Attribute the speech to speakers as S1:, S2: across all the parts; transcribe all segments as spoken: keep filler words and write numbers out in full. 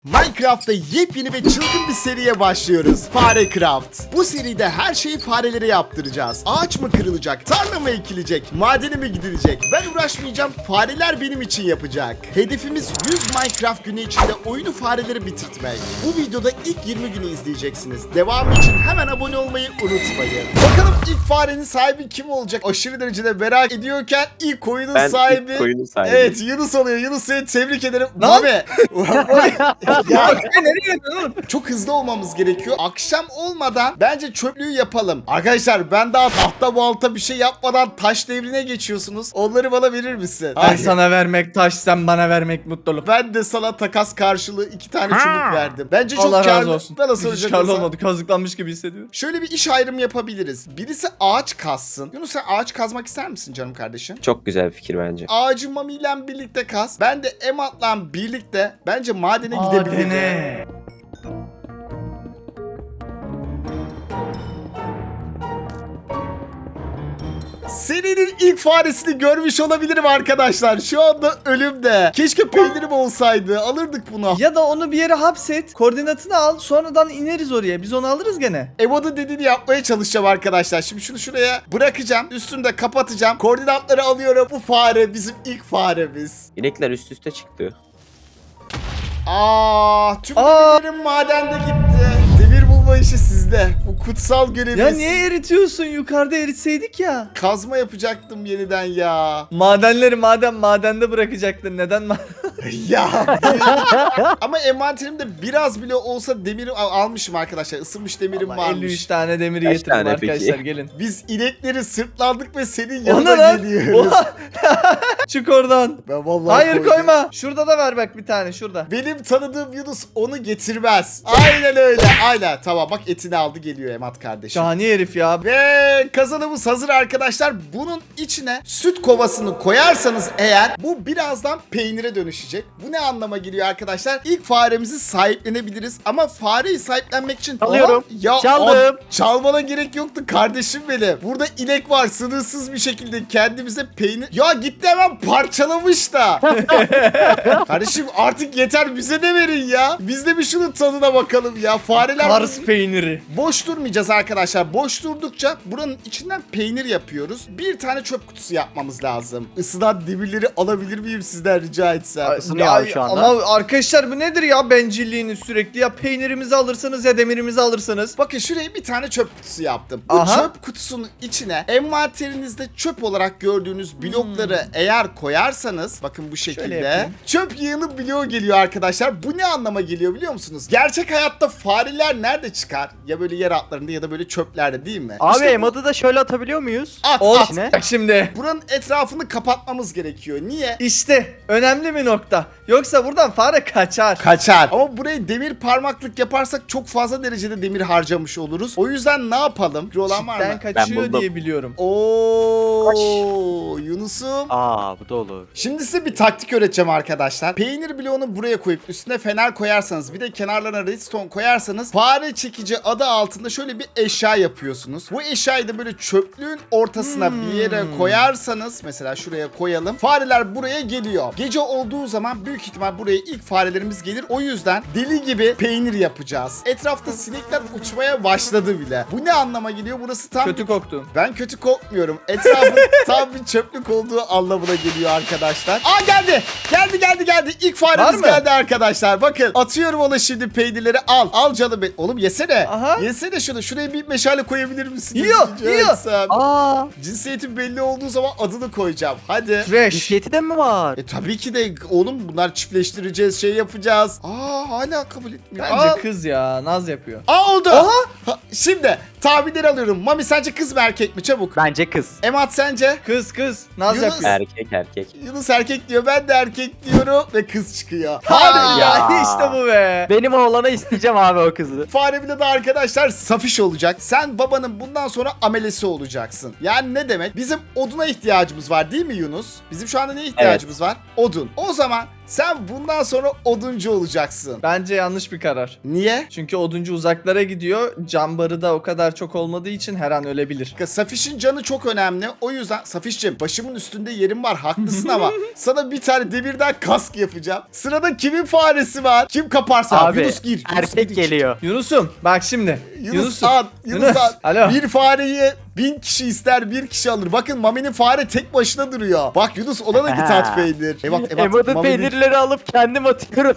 S1: Minecraft'ta yepyeni ve çılgın bir seriye başlıyoruz. Farecraft. Bu seride her şeyi farelere yaptıracağız. Ağaç mı kırılacak, tarla mı ekilecek, madene mi gidilecek? Ben uğraşmayacağım, fareler benim için yapacak. Hedefimiz yüz Minecraft günü içinde oyunu fareleri bitirtmek. Bu videoda ilk yirmi günü izleyeceksiniz. Devamı için hemen abone olmayı unutmayın. Bakalım ilk farenin sahibi kim olacak? Aşırı derecede merak ediyorken ilk oyunun
S2: Ben
S1: sahibi...
S2: ilk oyunun sahibi.
S1: Evet, Yunus oluyor. Yunus, seni tebrik ederim.
S3: Lan!
S1: Mami. Ya,
S3: Nereye gidiyorsun oğlum?
S1: çok hızlı olmamız gerekiyor. Akşam olmadan bence çöplüğü yapalım. Arkadaşlar, ben daha tahta balta bir şey yapmadan taş devrine geçiyorsunuz. Onları bana verir misin?
S3: Ben
S1: Ay,
S3: sana vermek taş, sen bana vermek mutluluk.
S1: ben de sana takas karşılığı iki tane çubuk verdim. Bence çok
S3: Allah
S1: karlı.
S3: razı olsun.
S1: Bana
S3: Hiç
S1: soracak
S3: karlı
S1: olsan.
S3: olmadı. Kazıklanmış gibi hissediyorum.
S1: Şöyle bir iş ayrımı yapabiliriz. Birisi ağaç kazsın. Yunus, sen ağaç kazmak ister misin canım kardeşim?
S2: Çok güzel bir fikir bence.
S1: Ağacı Mami ile birlikte kaz. Ben de Emat'la birlikte bence madene gidebilirim.
S3: Madene.
S1: Serinin ilk faresini görmüş olabilirim arkadaşlar. Şu anda ölümde. Keşke peynirim olsaydı. Alırdık bunu.
S3: Ya da onu bir yere hapset, koordinatını al, sonradan ineriz oraya. Biz onu alırız gene.
S1: Evo'nun dediğini yapmaya çalışacağım arkadaşlar. Şimdi şunu şuraya bırakacağım. Üstünü de kapatacağım. Koordinatları alıyorum. Bu fare bizim ilk faremiz.
S2: İnekler üst üste çıktı.
S1: Aa, tüm
S3: Aa.
S1: demirlerim madende gitti. Demir bulma işi sizde. Bu kutsal görevimiz.
S3: Ya niye eritiyorsun? Yukarıda eritseydik ya.
S1: Kazma yapacaktım yeniden ya.
S3: Madenleri maden madende bırakacaktın. Neden ma-
S1: Ya. Ama envanterimde biraz bile olsa demir al- almışım arkadaşlar. Isınmış demirim
S3: Allah, elli üç
S1: varmış.
S3: tane demiri
S2: Kaç
S3: getirdim
S2: tane
S3: arkadaşlar,
S2: peki?
S3: gelin.
S1: Biz inekleri sırtlandık ve senin
S3: O
S1: yanına
S3: ne lan?
S1: geliyoruz.
S3: Oha! Çık oradan.
S1: Ben vallahi
S3: Hayır,
S1: koydum.
S3: koyma. Şurada da ver bak bir tane, şurada.
S1: Benim tanıdığım Yunus onu getirmez. Aynen öyle. Aynen. Tamam, bak etini aldı geliyor Emat kardeşim.
S3: Şahane herif ya.
S1: Ve kazanımız hazır arkadaşlar. Bunun içine süt kovasını koyarsanız eğer bu birazdan peynire dönüşecek. Bu ne anlama geliyor arkadaşlar? İlk faremizi sahiplenebiliriz ama fareyi sahiplenmek için...
S2: Çalıyorum.
S1: Aha, ya
S2: Çaldım.
S1: a- çalmana gerek yoktu kardeşim benim. Burada inek var, sınırsız bir şekilde kendimize peynir... Ya gitti hemen parçalamış da. Kardeşim artık yeter, bize de verin ya. Biz de bir şunun tadına bakalım ya. Fareler...
S3: Kars peyniri.
S1: Boş durmayacağız arkadaşlar. Boş durdukça buranın içinden peynir yapıyoruz. Bir tane çöp kutusu yapmamız lazım. Isınan demirleri alabilir miyim sizden rica etsem?
S4: Isınıyor
S3: Ya,
S4: abi şu anda.
S3: Ama arkadaşlar bu nedir ya bencilliğiniz sürekli? Ya peynirimizi alırsınız ya demirimizi alırsınız.
S1: Bakın şuraya bir tane çöp kutusu yaptım. Bu
S3: Aha.
S1: çöp kutusunun içine envanterinizde çöp olarak gördüğünüz blokları eğer koyarsanız, bakın bu şekilde
S3: yapayım.
S1: çöp yığını bloğu geliyor arkadaşlar. Bu ne anlama geliyor biliyor musunuz? Gerçek hayatta fareler nerede çıkar? Ya böyle yer altlarında ya da böyle çöplerde, değil mi?
S4: Abi
S1: İşte bu-
S4: Emad'ı da şöyle atabiliyor muyuz?
S1: at
S3: Ol.
S1: at.
S4: Ne?
S3: Bak şimdi.
S1: Buranın etrafını kapatmamız gerekiyor. Niye?
S3: İşte önemli bir nokta. Yoksa buradan fare kaçar.
S1: Kaçar. Ama burayı demir parmaklık yaparsak çok fazla derecede demir harcamış oluruz. O yüzden ne yapalım? Fikri olan var
S3: Ben
S1: mı?
S3: kaçıyor
S2: buldum.
S3: diye biliyorum.
S1: Oo, Yunus'um.
S4: Aa bu da olur.
S1: Şimdi size bir taktik öğreteceğim arkadaşlar. Peynir bloğunu buraya koyup üstüne fener koyarsanız, bir de kenarlarına redstone koyarsanız fare çekici adı altında şöyle bir eşya yapıyorsunuz. Bu eşyayı da böyle çöplüğün ortasına
S3: Hmm.
S1: bir yere koyarsanız, mesela şuraya koyalım. Fareler buraya geliyor. Gece olduğu zaman büyük ihtimal buraya ilk farelerimiz gelir. O yüzden deli gibi peynir yapacağız. Etrafta sinekler uçmaya başladı bile. Bu ne anlama geliyor? Burası tam
S3: Kötü koktun.
S1: Ben kötü kokmuyorum. Etrafın tam bir çöplük olduğu anlamına geliyor arkadaşlar. Aa, geldi. Geldi geldi geldi. İlk
S3: Var
S1: faremiz
S3: mı?
S1: geldi arkadaşlar. Bakın, atıyorum ona şimdi peynirleri. Al. Al canım benim. Oğlum yesene.
S3: Aha.
S1: Yesene şunu. Şuraya bir meşale koyabilir misin?
S3: Yiyor,
S1: Rica
S3: yiyor.
S1: etsem.
S4: Aa
S1: Cinsiyetin belli olduğu zaman adını koyacağım. Hadi.
S3: Fresh.
S4: cinsiyeti de mi var?
S1: E tabii ki de oğlum, bunlar çiftleştireceğiz, şey yapacağız. Aa, hala kabul etmiyor.
S3: Bence
S1: Aa,
S3: kız ya, naz yapıyor.
S1: Aa, oldu.
S3: Aha.
S1: Ha, şimdi tahminleri alıyorum. Mami, sence kız mı erkek mi? Çabuk.
S4: Bence kız.
S1: Emat, sence?
S3: Kız kız, naz
S1: Yunus.
S3: yapıyor.
S2: Erkek erkek.
S1: Yunus erkek diyor, ben de erkek diyorum ve kız çıkıyor.
S3: Hadi
S1: Hadi
S3: ya,
S4: ya.
S3: işte bu be.
S4: Benim oğlana isteyeceğim abi o kızı.
S1: Faremide de arkadaşlar safiş olacak. Sen babanın bundan sonra amelesi olacaksın. Yani ne demek? Bizim oduna ihtiyacımız var değil mi Yunus? Bizim şu anda neye ihtiyacımız var? Odun. O zaman Sen bundan sonra oduncu olacaksın.
S3: Bence yanlış bir karar.
S1: Niye?
S3: Çünkü oduncu uzaklara gidiyor. Can barı da o kadar çok olmadığı için her an ölebilir.
S1: Safiş'in canı çok önemli. O yüzden Safiş'cim başımın üstünde yerim var. Haklısın ama sana bir tane demirden kask yapacağım. Sırada kimin faresi var? Kim kaparsa.
S4: Abi
S1: Yunus gir. Yunus
S4: erkek
S1: gir.
S4: geliyor.
S3: Yunus'um bak şimdi.
S1: Yunus,
S3: Yunus'um.
S1: at. Yunus,
S3: Yunus,
S1: at.
S3: alo.
S1: Bir fareyi bin kişi ister, bir kişi alır. Bakın Mami'nin fare tek başına duruyor. Bak Yunus ona da git at peynir. Evet, evet.
S4: Emad'ın
S1: Mami'nin-
S4: peynirleri alıp kendim atıyorum.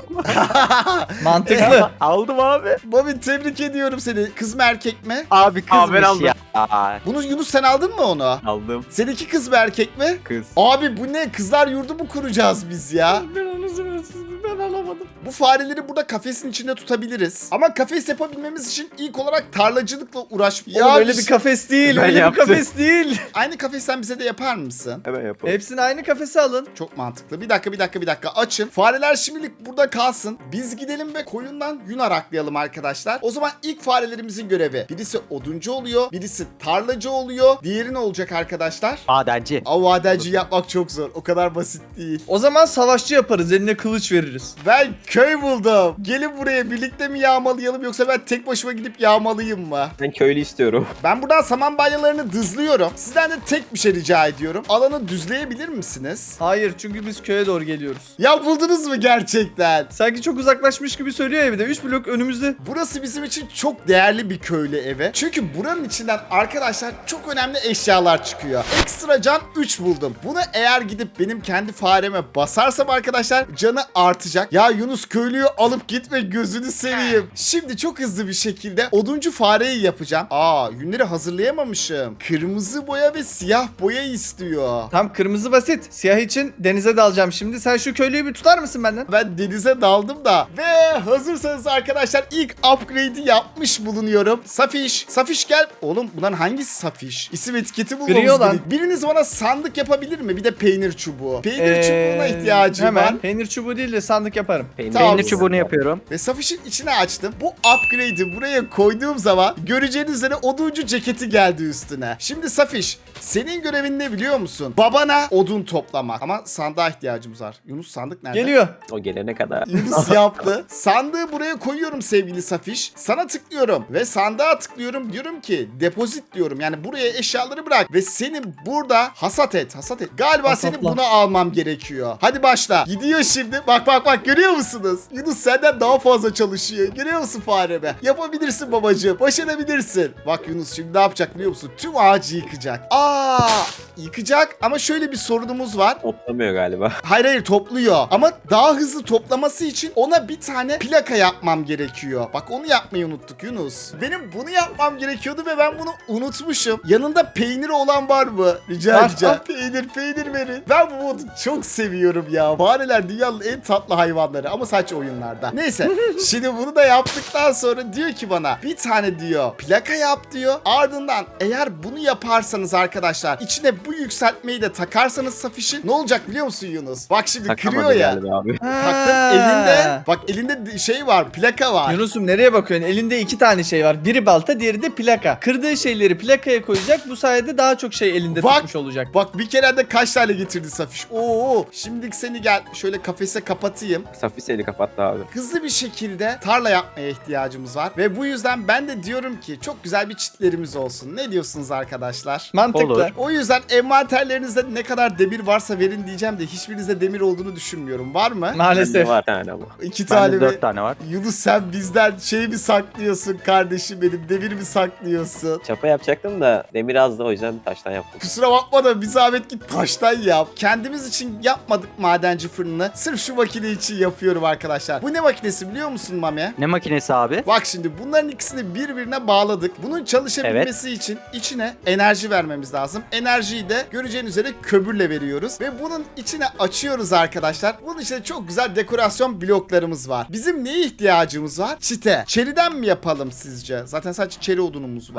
S3: Mantıklı.
S4: Aldım abi.
S1: Mami tebrik ediyorum seni. Kız mı erkek mi?
S4: Abi kızmış
S2: Abi ben aldım.
S4: ya.
S1: Bunu Yunus sen aldın mı onu?
S2: Aldım.
S1: Seninki kız mı erkek mi?
S2: Kız.
S1: Abi bu ne? Kızlar yurdu mu kuracağız biz ya?
S3: Ben onu ben alamadım.
S1: Bu fareleri burada kafesin içinde tutabiliriz. Ama kafes yapabilmemiz için ilk olarak tarlacılıkla uğraş.
S3: Oğlum öyle
S1: bir
S3: bir
S1: şey-
S3: kafes değil.
S2: Ben
S3: öyle
S2: yaptım.
S3: bir kafes değil.
S1: Aynı kafesten bize de yapar mısın?
S2: Hemen yapalım.
S3: Hepsini aynı kafese alın.
S1: Çok mantıklı. Bir dakika bir dakika bir dakika açın. Fareler şimdilik burada kalsın. Biz gidelim ve koyundan yün araklayalım arkadaşlar. O zaman ilk farelerimizin görevi. Birisi oduncu oluyor. Birisi tarlacı oluyor. Diğeri ne olacak arkadaşlar?
S4: Madenci.
S1: Avadenci yapmak çok zor. O kadar basit değil.
S3: O zaman savaşçı yaparız. Eline kılıç veririz.
S1: Ben köy buldum. Gelin buraya birlikte mi yağmalayalım yoksa ben tek başıma gidip yağmalayayım mı?
S2: Ben köylü istiyorum.
S1: Ben buradan saman balyalarını dızlıyorum. Sizden de tek bir şey rica ediyorum. Alanı düzleyebilir misiniz?
S3: Hayır çünkü biz köye doğru geliyoruz.
S1: Ya buldunuz mu gerçekten?
S3: Sanki çok uzaklaşmış gibi söylüyor evde. üç blok önümüzde.
S1: Burası bizim için çok değerli bir köylü evi. Çünkü buranın içinden arkadaşlar çok önemli eşyalar çıkıyor. Ekstra can üç buldum. Bunu eğer gidip benim kendi fareme basarsam arkadaşlar canı artacak. Ya Yunus köylüyü alıp gitme gözünü seveyim. Şimdi çok hızlı bir şekilde oduncu fareyi yapacağım. Aa yünleri hazırlayamamışım. Kırmızı boya ve siyah boya istiyor.
S3: Tam kırmızı basit. Siyah için denize dalacağım şimdi. Sen şu köylüyü bir tutar mısın benden?
S1: Ben denize daldım da. Ve hazırsanız arkadaşlar ilk upgrade'i yapmış bulunuyorum. Safiş. Safiş gel. Oğlum bunların hangisi Safiş? İsim etiketi bulmamız
S3: Gri olan.
S1: gerek. Biriniz bana sandık yapabilir mi? Bir de peynir çubuğu. Peynir
S3: Ee,
S1: çubuğuna ihtiyacım
S3: hemen.
S1: var.
S3: Peynir çubuğu değil de sandık yaparım.
S2: Peynir,
S1: Tamam.
S4: Peynir çubuğunu yapıyorum.
S1: Ve Safiş'in içine açtım. Bu upgrade'i buraya koyduğum zaman göreceğiniz üzere oduncu ceketi geldi üstüne. Şimdi Safiş senin görevin ne biliyor musun? Babana odun toplamak. Ama sandığa ihtiyacımız var. Yunus sandık nerede?
S3: Geliyor.
S2: O gelene kadar.
S1: Yunus yaptı. Sandığı buraya koyuyorum sevgili Safiş. Sana tıklıyorum ve sandığa tıklıyorum. Diyorum ki depozit diyorum. Yani buraya eşyaları bırak ve seni burada hasat et. Hasat et. Galiba
S3: Hasatla.
S1: seni buna almam gerekiyor. Hadi başla. Gidiyor şimdi. Bak bak bak görüyor musunuz? Yunus senden daha fazla çalışıyor. Görüyor musun fareme? Yapabilirsin babacığım. Başarabilirsin. Bak Yunus şimdi ne yapacak biliyor musun? Tüm ağacı yıkacak. Aa, yıkacak ama şöyle bir sorunumuz var.
S2: Toplamıyor galiba.
S1: Hayır hayır topluyor. Ama daha hızlı toplaması için ona bir tane plaka yapmam gerekiyor. Bak onu yapmayı unuttuk Yunus. Benim bunu yapmam gerekiyordu ve ben bunu unutmuşum. Yanında peyniri olan var mı? Rica
S3: Var,
S1: edeceğim.
S3: var.
S1: Peynir peynir verin. Ben bu modu çok seviyorum ya. Fareler dünyanın en tatlı hayvanları ama sadece oyunlarda. Neyse. Şimdi bunu da yaptıktan sonra diyor ki bana bir tane diyor plaka yap diyor. Ardından eğer bunu yaparsanız arkadaşlar içine bu yükseltmeyi de takarsanız Safiş'in ne olacak biliyor musun Yunus? Bak şimdi
S2: Takamadı
S1: kırıyor ya.
S2: galiba abi.
S1: Taktım elinde. Bak elinde şey var, plaka var.
S3: Yunus'um nereye bakıyorsun? Elinde iki tane şey var. Biri balta, diğeri de plaka. Kırdığı şeyleri plakaya koyacak. Bu sayede daha çok şey elinde
S1: Bak.
S3: tutmuş olacak.
S1: Bak bir kere de kaç tane getirdi Safiş. Oo, şimdilik seni gel şöyle kafese kapatayım.
S2: Safi seni kapattı abi.
S1: Hızlı bir şekilde tarla yapmaya ihtiyacımız var. Ve bu yüzden ben de diyorum ki çok güzel bir çitlerimiz olsun. Ne diyorsunuz arkadaşlar?
S3: Mantıklı.
S4: Olur.
S1: O yüzden envanterlerinizde ne kadar demir varsa verin diyeceğim de hiçbirinizde demir olduğunu düşünmüyorum. Var mı?
S3: Maalesef.
S2: Bende var bir tane ama.
S1: İki tane
S4: Bende
S1: mi?
S4: dört tane var.
S1: Yunus sen bizden şey mi saklıyorsun kardeşim benim? Demir mi saklıyorsun?
S2: Çapa yapacaktım da demir azdı o yüzden taştan yaptım.
S1: Kusura bakma da bir zahmet git taştan yap. Kendimiz için yapmadık madenci fırını. Sırf şu makine için yapıyorum arkadaşlar. Bu ne makinesi biliyor musun Mami?
S4: Ne makinesi abi?
S1: Bak şimdi bunların ikisini birbirine bağladık. Bunun çalışabilmesi için içine enerji vermemiz lazım. Enerjiyi de göreceğiniz üzere kömürle veriyoruz. Ve bunun içine açıyoruz arkadaşlar. Bunun içinde çok güzel dekorasyon bloklarımız var. Bizim neye ihtiyacımız var? Çite. Çeriden mi yapalım sizce? Zaten sadece çeri odunumuz var.
S2: Başka odunum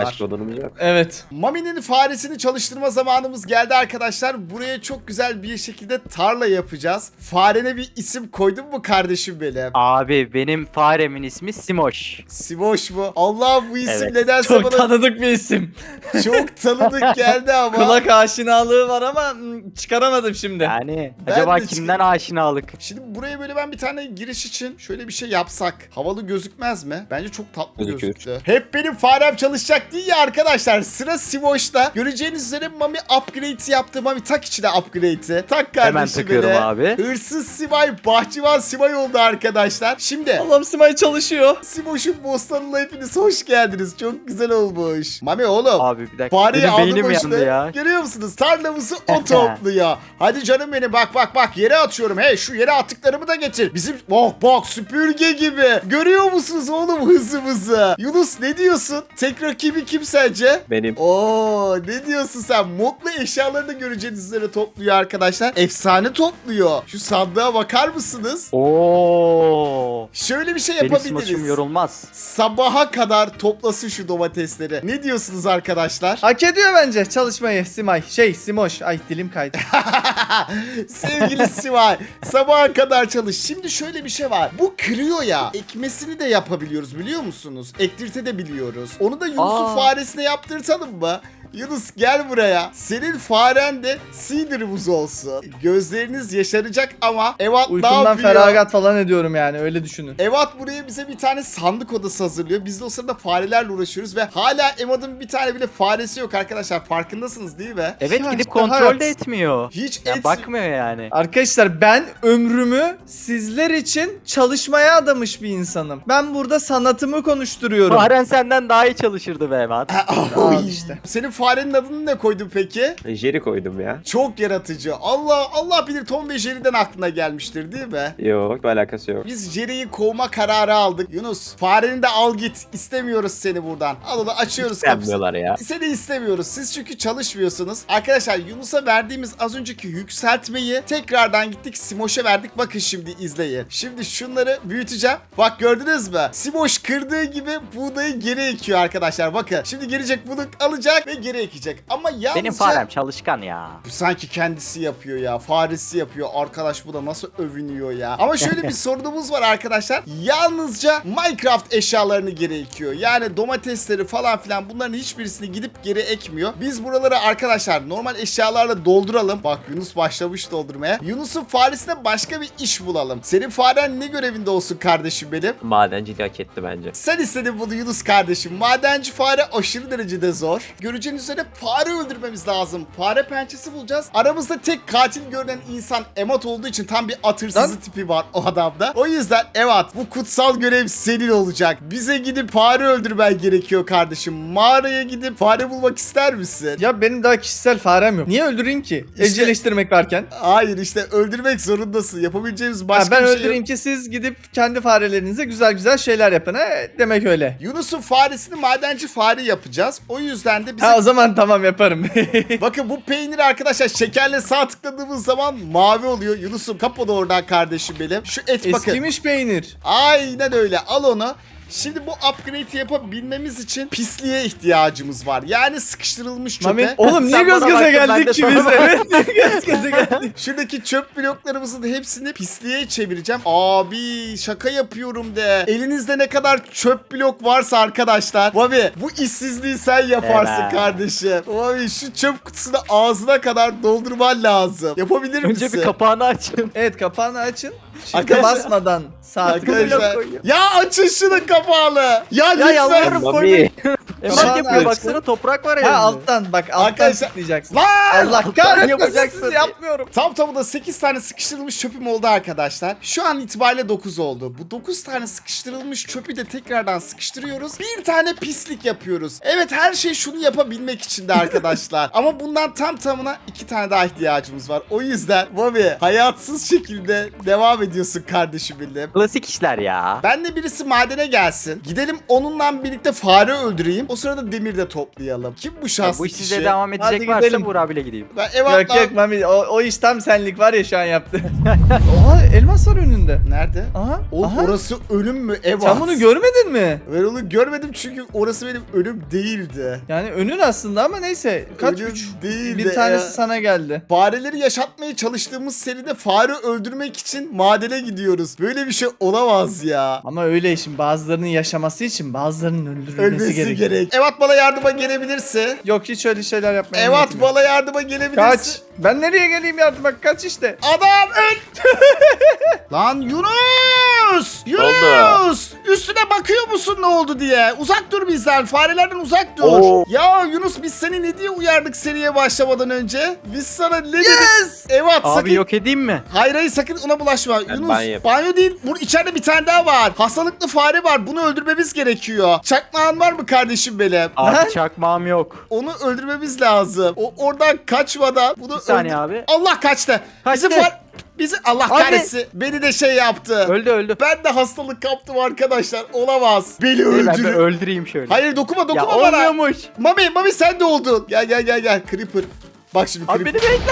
S2: zamanımız yok.
S3: Evet.
S1: Mami'nin faresini çalıştırma zamanımız geldi arkadaşlar. Buraya çok güzel bir şekilde tarla yapacağız. Farene bir isim koydun mu kardeşim benim?
S4: Abi benim faremin ismi Simoş.
S1: Simoş mu? Allah bu isim
S4: Evet.
S1: nedense
S3: Çok
S1: bana
S3: tanıdık bir isim.
S1: çok tanıdık geldi ama.
S3: Kulak aşinalığı var ama hmm, çıkaramadım şimdi.
S4: Yani
S1: Ben
S4: acaba
S1: de
S4: kimden aşinalık?
S1: Şimdi buraya böyle ben bir tane giriş için şöyle bir şey yapsak havalı gözükmez mi? Bence çok tatlı
S2: Gözükür.
S1: gözüktü. Hep benim farem çalışacak değil ya arkadaşlar. Sıra Simoş'ta. Göreceğiniz üzere Mami upgrade'i yaptı. Mami tak içine upgrade'i. Tak kardeşim
S4: Hemen takıyorum
S1: beni.
S4: abi.
S1: Hırsız Sivay, bahçıvan Sivay oldu arkadaşlar. Şimdi
S3: Allah'ım Simay çalışıyor.
S1: Simoş'un bostanına hepiniz hoş geldiniz. Çok güzel olmuş. Mami oğlum.
S4: Abi bir dakika.
S1: Fareyi
S4: Benim
S1: aldı
S4: beynim
S1: başına.
S4: yandı ya.
S1: Görüyor musunuz? Tarlamızı o topluyor. Hadi canım benim bak bak bak yere atıyorum. Hey şu yere attıklarımı da getir. Bizim bak bak süpürge gibi. Görüyor musunuz oğlum hızımızı? Yunus ne diyorsun? Tek rakibi kim sence?
S2: Benim.
S1: Oo ne diyorsun sen? Modlu eşyalarını göreceğiniz üzere topluyor arkadaşlar. Efsane topluyor. Şu sandığa bakar mısınız?
S4: Oo.
S1: Şöyle bir şey
S4: Benim
S1: yapabiliriz.
S4: Simoş'um yorulmaz.
S1: Sabaha kadar toplasın şu domatesleri. Ne diyorsunuz arkadaşlar?
S3: Hak ediyor bence çalışmayı Simay. Şey Simoş. Ay dilim kaydı.
S1: Sevgili Sivay, sabaha kadar çalış. Şimdi şöyle bir şey var. Bu kırıyor ya. Ekmesini de yapabiliyoruz biliyor musunuz? Ektirte de biliyoruz. Onu da Yunus'un
S4: Aa.
S1: faresine yaptırtalım mı? Yunus gel buraya. Senin faren de Seeder'ımız olsun. Gözleriniz yaşaracak ama Evat ne
S3: Uykumdan
S1: yapıyor?
S3: feragat falan ediyorum yani öyle düşünün.
S1: Evat buraya bize bir tane sandık odası hazırlıyor. Biz de o sırada farelerle uğraşıyoruz ve hala Evat'ın bir tane bile faresi yok arkadaşlar. Farkındasınız değil mi?
S4: Evet
S3: Ya
S4: gidip
S3: işte
S4: kontrol
S3: hayat.
S4: de etmiyor.
S1: Hiç
S4: Ya
S1: et...
S4: bakmıyor yani.
S3: Arkadaşlar ben ömrümü sizler için çalışmaya adamış bir insanım. Ben burada sanatımı konuşturuyorum.
S4: Faren senden daha iyi çalışırdı be Evat.
S1: Oy.
S3: Al işte.
S1: Senin farenin adını ne koydun peki?
S2: Jerry koydum ya.
S1: Çok yaratıcı. Allah Allah bilir Tom ve Jerry'den aklına gelmiştir değil mi?
S2: Yok bir alakası yok.
S1: Biz Jerry'yi kovma kararı aldık. Yunus fareni de al git. İstemiyoruz seni buradan. Al onu açıyoruz kapısını.
S2: Sevmiyorlar ya.
S1: Seni istemiyoruz. Siz çünkü çalışmıyorsunuz. Arkadaşlar Yunus'a verdiğimiz az önceki yükseltmeyi tekrardan gittik Simoş'a verdik. Bakın şimdi izleyin. Şimdi şunları büyüteceğim. Bak gördünüz mü? Simoş kırdığı gibi buğdayı geri ekiyor arkadaşlar. Bakın şimdi gelecek bunu alacak ve geri ekecek. Ama yalnızca...
S4: Benim farem çalışkan ya.
S1: Bu sanki kendisi yapıyor ya. Faresi yapıyor. Arkadaş bu da nasıl övünüyor ya. Ama şöyle bir sorunumuz var arkadaşlar. Yalnızca Minecraft eşyalarını geri ekiyor. Yani domatesleri falan filan bunların hiçbirisini gidip geri ekmiyor. Biz buraları arkadaşlar normal eşyalarla dolduralım. Bak Yunus başlamış doldurmaya. Yunus'un faresine başka bir iş bulalım. Senin faren ne görevinde olsun kardeşim benim?
S2: Madenciliği hak etti bence.
S1: Sen istedin bunu Yunus kardeşim. Madenci fare aşırı derecede zor. Göreceğiniz üzere fare öldürmemiz lazım. Fare pençesi bulacağız. Aramızda tek katil görünen insan Emat olduğu için tam bir at hırsızı
S3: Lan.
S1: tipi var o adamda. O yüzden Evat bu kutsal görev senin olacak. Bize gidip fare öldürmen gerekiyor kardeşim. Mağaraya gidip fare bulmak ister misin?
S3: Ya benim daha kişisel farem yok. Niye öldüreyim ki?
S1: İşte-
S3: Evcilleştirmek varken.
S1: Hayır işte öldürmek zorundasın. Yapabileceğimiz
S3: Ha,
S1: başka
S3: ben
S1: bir şey
S3: öldüreyim
S1: yok.
S3: ki siz gidip kendi farelerinize güzel güzel şeyler yapın. Ha, demek öyle.
S1: Yunus'un faresini madenci fare yapacağız. O yüzden de bize...
S3: Ha o zaman tamam yaparım.
S1: Bakın bu peynir arkadaşlar şekerle sağ tıkladığımız zaman mavi oluyor. Yunus'um kap onu oradan kardeşim benim. Şu et bakın.
S3: Eskimiş peynir.
S1: Aynen öyle. Al onu. Şimdi bu upgrade'i yapabilmemiz için pisliğe ihtiyacımız var. Yani sıkıştırılmış çöpe.
S3: Mami, oğlum niye
S4: Sen
S3: göz
S4: bana
S3: göze
S4: baktın, ben de
S3: geldik ki
S4: sana
S3: biz?
S4: baktım.
S3: Evet göz göze geldik.
S1: Şuradaki çöp bloklarımızın hepsini pisliğe çevireceğim. Abi şaka yapıyorum de. Elinizde ne kadar çöp blok varsa arkadaşlar. Bobby bu işsizliği sen yaparsın
S4: Evet.
S1: kardeşim. Bobby şu çöp kutusunu ağzına kadar doldurman lazım. Yapabilir misin?
S4: Önce bir kapağını açın.
S3: Evet kapağını açın. Shift'e
S1: Arkadaşlar-
S3: basmadan saat.
S1: Arkadaşlar
S4: koyuyor.
S1: ya açın şunun kapağını. Ya,
S4: Ya
S1: lütfen.
S4: yalvarırım
S2: Mami.
S4: koymayın.
S3: Kapağını
S4: Emat yapıyor
S3: aç.
S4: baksana toprak var
S3: Ha
S4: elinde.
S3: alttan bak alttan
S1: Arkadaşlar-
S3: tıklayacaksın.
S1: Lan!
S3: Allah kahretmesin
S4: yapacaksın
S3: sizi
S4: diye.
S3: yapmıyorum.
S1: Tam tamına sekiz tane sıkıştırılmış çöpüm oldu arkadaşlar. Şu an itibariyle dokuz oldu. Bu dokuz tane sıkıştırılmış çöpü de tekrardan sıkıştırıyoruz. Bir tane pislik yapıyoruz. Evet her şey şunu yapabilmek için de arkadaşlar. Ama bundan tam tamına iki tane daha ihtiyacımız var. O yüzden Bobby hayatsız şekilde devam ediyorsun kardeşim benim.
S4: Klasik işler ya.
S1: Ben de birisi madene gelsin. Gidelim onunla birlikte fare öldüreyim. O O sırada demir de toplayalım. Kim bu
S4: Ya
S1: şanslı
S4: bu iş
S1: kişi?
S4: size devam edecek
S3: Hadi
S4: varsa
S3: gidelim.
S4: Buğra abiyle gideyim.
S1: Ben ev
S3: Yok
S1: atla.
S3: yok Mami o, o iş tam senlik var ya şu an yaptı. Oha elmas var önünde.
S1: Nerede?
S3: Aha.
S1: Oğlum
S3: aha.
S1: orası ölüm mü? Ev
S3: Sen bunu görmedin mi?
S1: Ben onu görmedim çünkü orası benim ölüm değildi.
S3: Yani önün aslında ama neyse. Kaç
S1: Ölüm
S3: üç?
S1: değildi
S3: Bir tanesi
S1: ya.
S3: sana geldi.
S1: Fareleri yaşatmaya çalıştığımız seride fare öldürmek için madene gidiyoruz. Böyle bir şey olamaz ya.
S3: Ama öyle şimdi bazılarının yaşaması için bazılarının öldürülmesi
S1: Ölmesi
S3: gerekiyor.
S1: gerek. Evat bana yardıma gelebilirse.
S3: Yok hiç öyle şeyler yapmaya
S1: Evat
S3: niyetim yok.
S1: bana yardıma gelebilirse.
S3: Kaç. Ben nereye geleyim yardıma? Kaç işte.
S1: Adam öl. Lan Yunus! Yunus! Üstüne bakıyor musun ne oldu diye? Uzak dur bizden. Farelerden uzak dur.
S2: Oo.
S1: Ya Yunus biz seni ne diye uyardık seriye başlamadan önce? Biz sana ne dedik?
S3: Yes!
S1: Evet
S4: Abi
S1: sakın.
S4: yok edeyim mi?
S1: Hayır hayır sakın ona bulaşma.
S2: Ben
S1: Yunus
S2: banyo
S1: banyo değil. Burada içeride bir tane daha var. Hastalıklı fare var. Bunu öldürmemiz gerekiyor. Çakmağın var mı kardeşim benim?
S4: Abi
S3: Lan.
S4: çakmağım yok.
S1: Onu öldürmemiz lazım. O oradan kaçmadan bunu
S4: Bir saniye
S1: öldür-
S4: abi.
S1: Allah kaçtı.
S4: Kaçtı.
S1: Bizi far... Bizi Allah
S4: Abi.
S1: kahretsin. Beni de şey yaptı.
S4: Öldü öldü.
S1: Ben de hastalık kaptım arkadaşlar. Olamaz. Beni
S4: Beni ben bir
S1: öldürün.
S4: öldüreyim şöyle.
S1: Hayır dokunma
S4: ya
S1: dokunma bana.
S4: olmuyormuş.
S1: Mami Mami sen de oldun. Gel gel gel gel. Creeper. Bak şimdi
S4: Abi
S1: Creeper.
S4: beni bekle.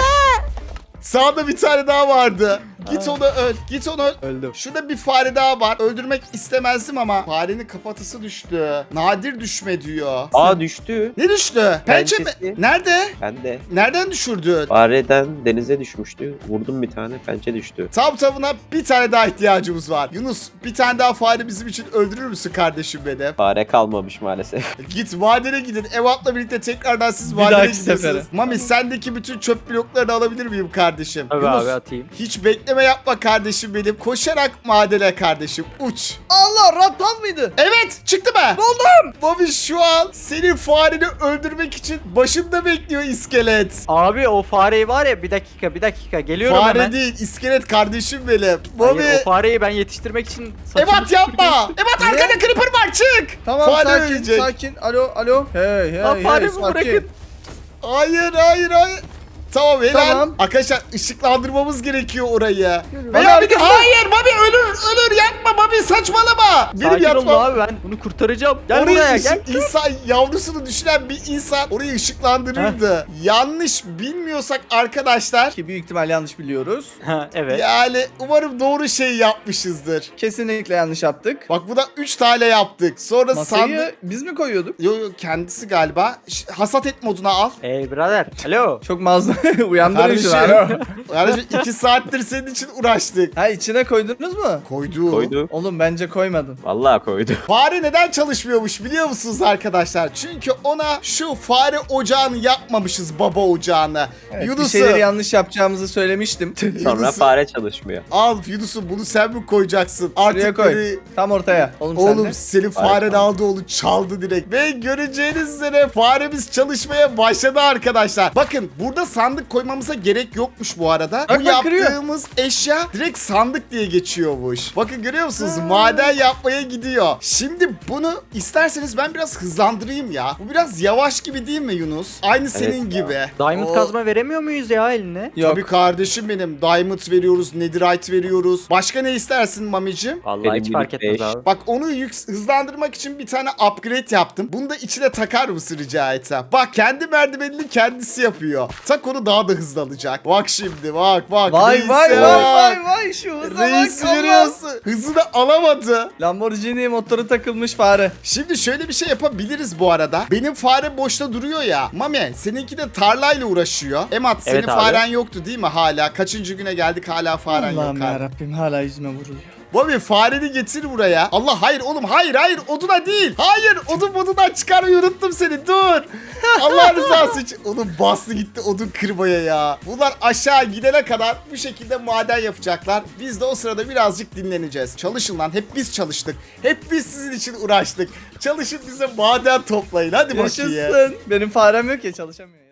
S1: Sağda bir tane daha vardı. Git onu öl. Git onu öl.
S4: Öldüm.
S1: Şurada bir fare daha var. Öldürmek istemezdim ama farenin kafatası düştü. Nadir düşme diyor.
S2: Aa düştü.
S1: Ne düştü? Pençe mi?
S2: Pençesi.
S1: Nerede?
S2: Ben de.
S1: Nereden düşürdün?
S2: Fareden denize düşmüştü. Vurdum bir tane pençe düştü.
S1: Tam tamına bir tane daha ihtiyacımız var. Yunus bir tane daha fare bizim için öldürür müsün kardeşim benim?
S2: Fare kalmamış maalesef.
S1: Git madene gidin. Evat'la birlikte tekrardan siz
S3: Bir
S1: madene
S3: dahaki
S1: gidiyorsunuz.
S3: sefere.
S1: Mami sendeki bütün çöp bloklarını alabilir miyim kardeşim?
S4: Tabii
S1: Yunus
S4: abi atayım.
S1: hiç bekleme yapma kardeşim benim. Koşarak madene kardeşim. Uç.
S3: Allah raptal mıydı?
S1: Evet çıktı mı?
S3: Buldum.
S1: Bobby şu an senin fareni öldürmek için başında bekliyor iskelet.
S4: Abi o fareyi var ya bir dakika bir dakika geliyorum
S1: Fare
S4: hemen.
S1: değil iskelet kardeşim benim. Bobby.
S4: Hayır, o fareyi ben yetiştirmek için saçımı
S1: Evat yapma.
S4: süpürgeyim.
S1: Evat
S3: Ne?
S1: arkada creeper var çık.
S3: Tamam
S1: Fare
S3: sakin
S1: ölecek.
S3: sakin. Alo alo. Hey hey
S4: Lan
S3: hey.
S4: faremi
S3: sakin.
S4: bırakın.
S1: Hayır hayır hayır. Tamam helal.
S3: Tamam.
S1: Arkadaşlar ışıklandırmamız gerekiyor orayı.
S3: Mami
S1: Veya bir de
S3: arkada.
S1: hayır Bobby ölür ölür yapma Bobby saçmalama. Benim
S4: Sakin olun
S1: yatmam.
S4: abi ben bunu kurtaracağım. Gel
S1: Orayı
S4: buraya
S1: ışık-
S4: gel.
S1: insan yavrusunu düşünen bir insan orayı ışıklandırırdı. Yanlış bilmiyorsak arkadaşlar
S3: Ki büyük ihtimal yanlış biliyoruz.
S4: Ha, evet.
S1: yani umarım doğru şey yapmışızdır.
S3: Kesinlikle yanlış yaptık.
S1: Bak bu da üç tane yaptık. Sonra
S3: Masayı
S1: sandık...
S3: biz mi koyuyorduk?
S1: Yo yo kendisi galiba. Ş- hasat et moduna al.
S4: Ey birader. Alo.
S3: Çok mazlum. Uyandırın şunu.
S1: Kardeşim.
S3: Alo.
S1: Yani iki saattir senin için uğraştık.
S3: Ha içine koydunuz mu?
S1: Koydu.
S2: Koydu.
S3: Oğlum bence koymadın.
S2: Vallahi koydu.
S1: Fare neden çalışmıyormuş biliyor musunuz arkadaşlar? Çünkü ona şu fare ocağını yapmamışız baba ocağını.
S3: Evet, bir
S1: Yunus'u
S3: şeyleri yanlış yapacağımızı söylemiştim.
S2: Sonra
S1: Yunus'u-
S2: fare çalışmıyor.
S1: al Yunus'u bunu sen mi koyacaksın? Artık
S3: Şuraya koy.
S1: beni-
S3: Tam ortaya. Oğlum, sen
S1: Oğlum
S3: de.
S1: senin
S2: Fare
S1: faren
S2: kaldı.
S1: aldı onu çaldı direkt. Ve göreceğiniz üzere faremiz çalışmaya başladı arkadaşlar. Bakın burada sandık koymamıza gerek yokmuş bu arada.
S3: Bak,
S1: bu
S3: bak, kırıyor.
S1: yaptığımız eşya direkt sandık diye geçiyormuş. Bakın görüyor musunuz? Maden yapmaya gidiyor. Şimdi bunu isterseniz ben biraz hızlandırayım ya. Bu biraz yavaş gibi değil mi Yunus? Aynı senin
S2: ya.
S1: gibi.
S4: Diamond
S1: O-
S4: kazma veremiyor muyuz ya eline?
S3: Yok.
S1: Tabii kardeşim benim. Diamond veriyoruz, netherite veriyoruz. Başka ne istersin mamicim?
S4: Vallahi
S2: Benim
S4: hiç fark
S2: minik
S4: etmez
S2: beş.
S4: abi.
S1: Bak onu yük- hızlandırmak için bir tane upgrade yaptım. Bunu da içine takar mısın rica etsem? Bak kendi merdivenini kendisi yapıyor. Tak onu daha da hızlanacak. Bak şimdi bak bak.
S3: Vay
S1: reise
S3: vay vay
S1: bak.
S3: vay vay şu hıza
S1: Reis
S3: bak Allah.
S1: görüyorsun. Hızını alamadı.
S3: Lamborghini motoru takılmış fare.
S1: Şimdi şöyle bir şey yapabiliriz bu arada. Benim fare boşta duruyor ya. Mami seninki de tarlayla uğraşıyor. Emat senin
S4: Evet abi.
S1: faren yoktu değil mi hala? Kaçıncı güne geldik hala faren
S3: Allah'ım
S1: yok abi.
S3: yarabbim hala yüzüme vuruluyor.
S1: Bobby fareni getir buraya. Allah hayır oğlum hayır hayır oduna değil. Hayır odun modundan çıkarmayı unuttum seni dur. Allah rızası için. Oğlum bastı gitti odun kırmaya ya. Bunlar aşağı gidene kadar bu şekilde maden yapacaklar. Biz de o sırada birazcık dinleneceğiz. Çalışın lan hep biz çalıştık. Hep biz sizin için uğraştık. Çalışın bize maden toplayın hadi bakayım.
S3: Yaşasın. Benim farem yok ya çalışamıyor.